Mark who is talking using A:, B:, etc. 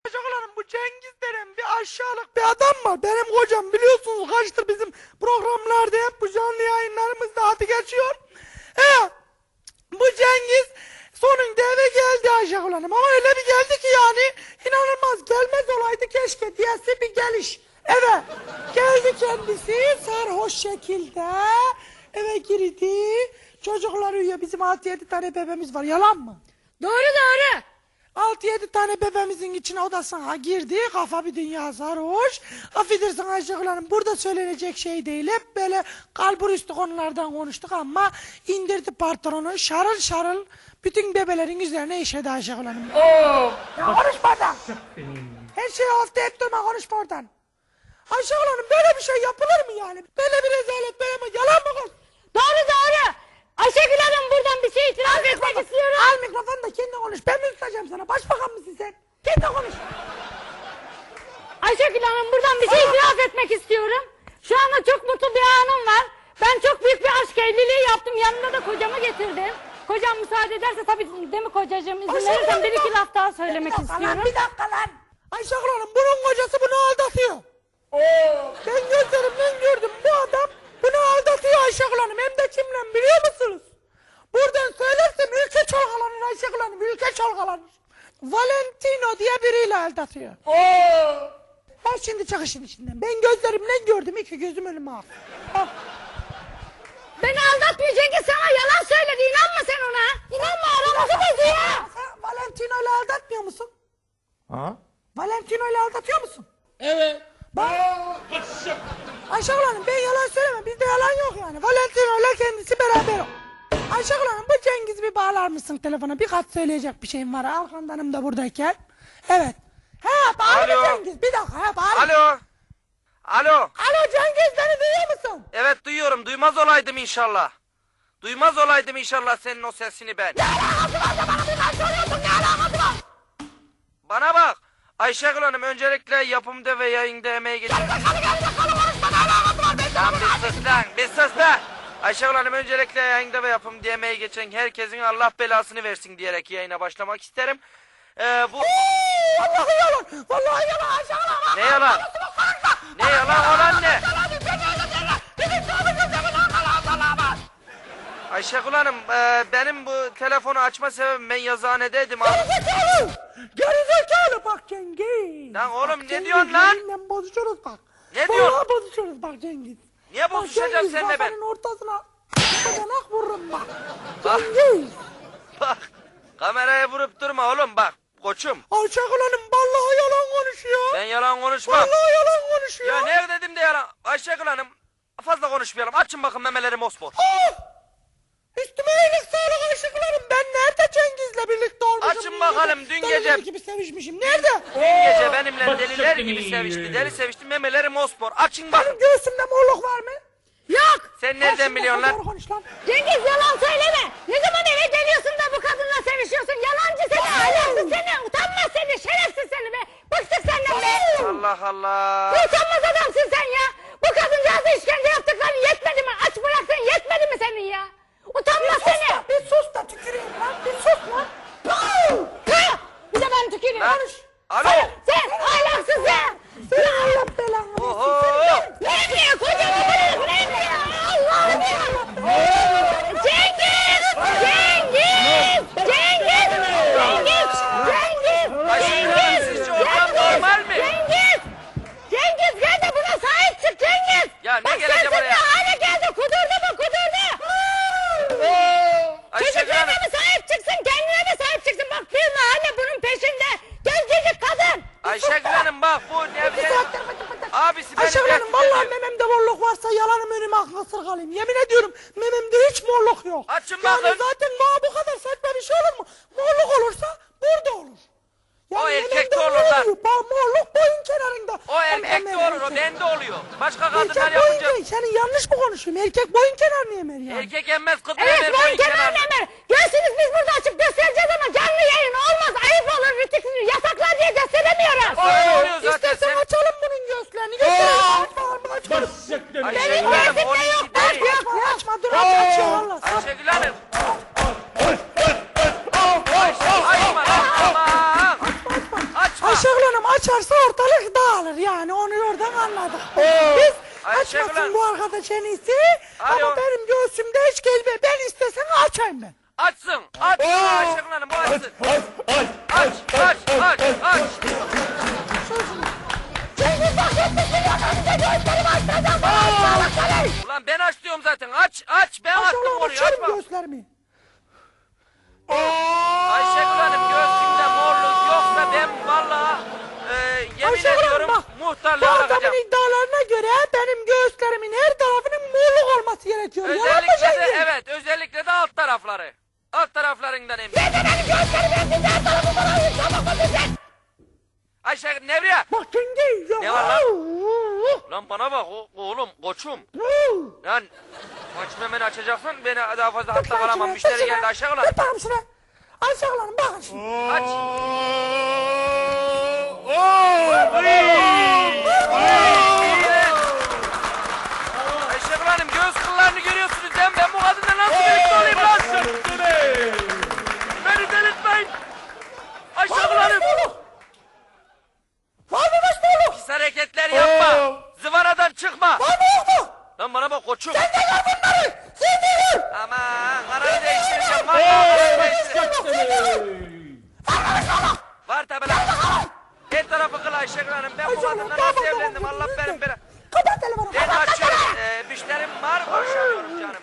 A: Çocuklarım bu Cengiz denen bir aşağılık bir adam var. Benim kocam biliyorsunuz kaçtır bizim programlarda hep bu canlı yayınlarımızda adı geçiyor. Bu Cengiz sonunda eve geldi aşağılarım ama öyle bir geldi ki yani inanılmaz, gelmez olaydı keşke diyesi bir geliş. Eve geldi kendisi sarhoş şekilde eve girdi. Çocuklar uyuyor, bizim 6-7 tane bebeğimiz var, yalan mı?
B: Doğru doğru.
A: 6-7 tane bebeğimizin içine odasına girdi, kafa bir dünya sarhoş. Affedersin Ayşegül Hanım, burada söylenecek şey değil, hep böyle kalbur üstü konulardan konuştuk ama indirdi patronu şarıl şarıl bütün bebelerin üzerine işedi Ayşegül Hanım. Ya konuşma oradan. Her şeyi hafta et durma, konuşma oradan. Ayşegül Hanım, böyle bir şey yapılır mı yani? Böyle bir rezalet, böyle mi? Yalan mı kız?
B: Doğru doğru. Ayşegül Hanım, buradan bir şey itiraf etmek istiyorum.
A: Al mikrofonu da kendi konuş, ben mi tutacağım sana? Başbakan mısın sen? Kendi konuş.
B: Ayşegül Hanım, buradan bir şey itiraf etmek istiyorum. Şu anda çok mutlu bir anım var. Ben çok büyük bir aşk evliliği yaptım. Yanımda da kocamı getirdim. Kocam müsaade ederse tabii, değil mi kocacığım? İzin verirsen bir iki laf daha söylemek istiyorum.
A: Bir dakika lan. Ayşegül Hanım, bunun kocası bunu aldatıyor. Ben gözlerimden gördüm, bu adam bunu aldatıyor Ayşegül Hanım. Hem de kimle biliyor musunuz? Buradan söylersem ülke çalkalanır Ayşegül Hanım, ülke çalkalanır. Valentino diye biriyle aldatıyor. Ben şimdi çık işin içinden. Ben gözlerimden gördüm, iki gözüm önüme al.
B: Beni aldatmıyor Cengiz, sana yalan söyledi. İnanma sen ona. İnanma, aramızı bozuyor.
A: Sen Valentino ile aldatmıyor musun?
C: Ha?
A: Valentino ile aldatıyor musun?
C: Evet.
A: Bak. Ayşegül Hanım, ben yalan söylemem, bizde yalan yok yani. Valentino ile kendisi beraber yok. Ayşegül Hanım, bu Cengiz'i bir bağlar mısın telefona? Birkaç söyleyecek bir şeyim var. Arkandanım da buradayken. Evet. Bağır Cengiz, bir dakika. Bağır.
D: Alo. Alo.
A: Alo Cengiz, beni duyuyor musun?
D: Evet duyuyorum. Duymaz olaydım inşallah. Duymaz olaydım inşallah senin o sesini ben.
A: Ne alakası var da bana bir kaç soruyorsun, ne alakası var?
D: Bana bak. Ayşegül Hanım, öncelikle yapımda ve yayında emeği geçen...
A: Konuşma, ne alakası var? Ben
D: Lan bir sus lan. Bir sus lan. Ayşegül Hanım, öncelikle yayında ve yapımda emeği geçen herkesin Allah belasını versin diyerek yayına başlamak isterim. Bu...
A: Vallahi yalan. Vallahi yalan Ayşegül Hanım.
D: Ne yalan? Ne yalan olan ne? Ayşegül Hanım, benim bu telefonu açma sebebim, ben yazıhanedeydim.
A: Gerizekalı. Gerizekalı bak Cengiz.
D: Lan oğlum,
A: Bak
D: ne
A: Cengiz,
D: diyorsun lan?
A: yeminle bozuşuruz bak.
D: Ne diyorsun?
A: Vallahi bozuşuruz bak Cengiz.
D: Niye bozuşacağım seninle ben?
A: Kafanın ortasına bacanak vururum bak.
D: Bak.
A: Cengiz.
D: Bak, kameraya vurup durma oğlum bak, koçum.
A: Ayşegül Hanım vallahi yalan konuşuyor.
D: Ben yalan konuşmam.
A: Vallahi yalan konuşuyor.
D: Ya ne dedim de yalan. Ayşegül Hanım, fazla konuşmayalım. Açın bakın memeleri mosmor.
A: Üstüme iyilik sağlık Ayşegül Hanım. Ben nerede Cengiz'le birlikte olmuşum?
D: Açın bakalım, dün gece...
A: Deliler gibi sevişmişim. Nerede?
D: Dün gece benimle deliler gibi sevişti. Deli sevişti, memeleri mosmor. Açın bakın.
A: Benim göğsümde morluk var mı?
B: Yok.
D: Sen nereden biliyorsun lan?
A: Doğru konuş lan.
B: Cengiz, yalan söyleme. Ne zaman eve geliyorsun da bu kadınla sevişiyorsun? Yalancı seni, ahlaksız seni, utanmaz seni, şerefsiz seni be. Bıktık senden be.
D: Allah Allah.
B: Ne utanmaz adamsın sen ya. Bu kadıncağıza işkence yaptıkların yetmedi mi? Aç bıraktın, yetmedi mi senin ya? Utanmaz seni.
A: Bir sus da tüküreyim lan. Bir sus lan.
B: Ha! Bir de ben tüküreyim.
D: Lan,
B: Konuş.
D: alo.
B: Sen ahlaksız sen.
A: Seni Allah belanı.
D: Oho.
B: Ne diyor kocam? Ne diyor? Allah'ım ya. Cengiz! Cengiz! Cengiz! Cengiz! Cengiz!
D: Ayşegül Hanım, sizce ortam normal mi?
B: Cengiz! Cengiz, gel de buna sahip çık Cengiz!
D: Ya ne
B: Bak
D: geleceğim
B: sensin
D: oraya?
B: ne hale geldi, kudurdu mu kudurdu!
D: Ayşegül
B: Çocuklarına
D: Hanım.
B: mı sahip çıksın, kendine mi sahip çıksın? Bak bir mahalle bunun peşinde! Gencecik kadın!
D: Ayşegül Hanım bak, bu
A: Bir
D: ne?
A: saattir bıcık bıcık.
D: Abisi beni
A: Ayşegül Hanım
D: tehdit
A: vallahi
D: ediyor.
A: mememde morluk varsa yalanım önüme aklasır kalayım. Yemin ediyorum mememde hiç morluk yok.
D: Açın
A: Yani
D: bakın.
A: zaten bu kadar saçma bir şey olur mu? Morluk olursa burada olur.
D: O
A: mememde
D: erkekte olur lan.
A: Morluk boyun kenarında.
D: O erkekte olur, o bende oluyor. Başka kadınlar
A: Erkek
D: yapınca...
A: boyun senin yanlış mı konuşuyorum? Erkek boyun kenarını emer yani.
D: Erkek emmez, kız
B: Evet,
D: emer,
B: boyun
D: boyun
B: kenarını
D: kenarını.
B: emer! Göğsünüz biz burada açıp göstereceğiz ama canlı yayın olmaz, ayıp olur, rütük yasaklar diye gösteremiyoruz!
D: Öyle oluyor zaten
A: İstersen
D: sen.
A: açalım bunun göğüslerini. Gösterelim. Açalım.
D: Ayşegül
B: Benim
D: Hanım,
B: gözümde
D: onun
B: yok,
D: gibi değil.
A: Açma açma dur açıyor valla.
D: Ayşegül Hanım. Açma lan, aman. Açma.
A: Ayşegül Hanım Hanım açarsa ortalık dağılır yani onu oradan anladık. Biz
D: Ayşegül
A: açmasın
D: Hanım.
A: bu arkadaş en iyisi.
D: Alo.
A: Ama benim göğsümde hiç gelme. Ben istesem açayım ben.
D: Açsın. Açsın Ayşegül Hanım bu açsın. Aç.
A: Cengiz bak 70 milyon önünde göğüslerimi açtıracağım. Bana aşağılık seni.
D: Ulan ben aç diyorum zaten. Aç. Ben açtım
A: Aşağılık
D: konuyu.
A: açarım
D: Açma.
A: göğüslerimi.
D: Ayşegül Hanım göğsümde morluk yoksa ben vallahi yemin
A: Ayşegül Hanım
D: ediyorum
A: bak. Bu
D: muhtarlığa
A: adamın
D: bakacağım.
A: iddialarına göre benim göğüslerimin her tarafının morluk olması gerekiyor. Yalan mı
D: Özellikle de
A: Cengiz?
D: evet özellikle de alt tarafları. Alt taraflarından eminim.
A: Neden benim göğüslerim ensizde her tarafı bana çabuk ödeyecek?
D: Ayşegül Nevriye.
A: Bak Cengiz ya.
D: Ne var lan? Lan bana bak oğlum koçum. Lan açma hemen açacaksın beni daha fazla hatta kalamam. Müşteri geldi Ayşegül Hanım.
A: Dur bakayım şuna. Ayşegül Hanım bakın şimdi.
D: Aç. Ayşegül Hanım göğüs kıllarını görüyorsunuz değil mi? Ben bu kadınla nasıl birlikte olayım lan? Beni delirtmeyin. Ayşegül Hanım.
A: Var mı başbuğluk?
D: Pis hareketler yapma. Zıvanadan çıkma.
A: Var mı yok mu?
D: Lan bana bak koçum.
A: Sen de gör bunları. Sen de gör.
D: Aman kararı değiştireceğim. Vallahi kararı değiştireceğim. Var tabi lan. Her tarafı kıl Ayşegül Hanım. Ben bu
A: Ayşegül Hanım,
D: kadınla
A: tamam,
D: nasıl
A: tamam,
D: evlendim?
A: tamam,
D: Allah benim
A: lütfen.
D: bela.
A: Kapat telefonu.
D: Ben
A: kapat
D: açıyorum.
A: telefonu.
D: Müşterim var. Konuşamıyorum canım.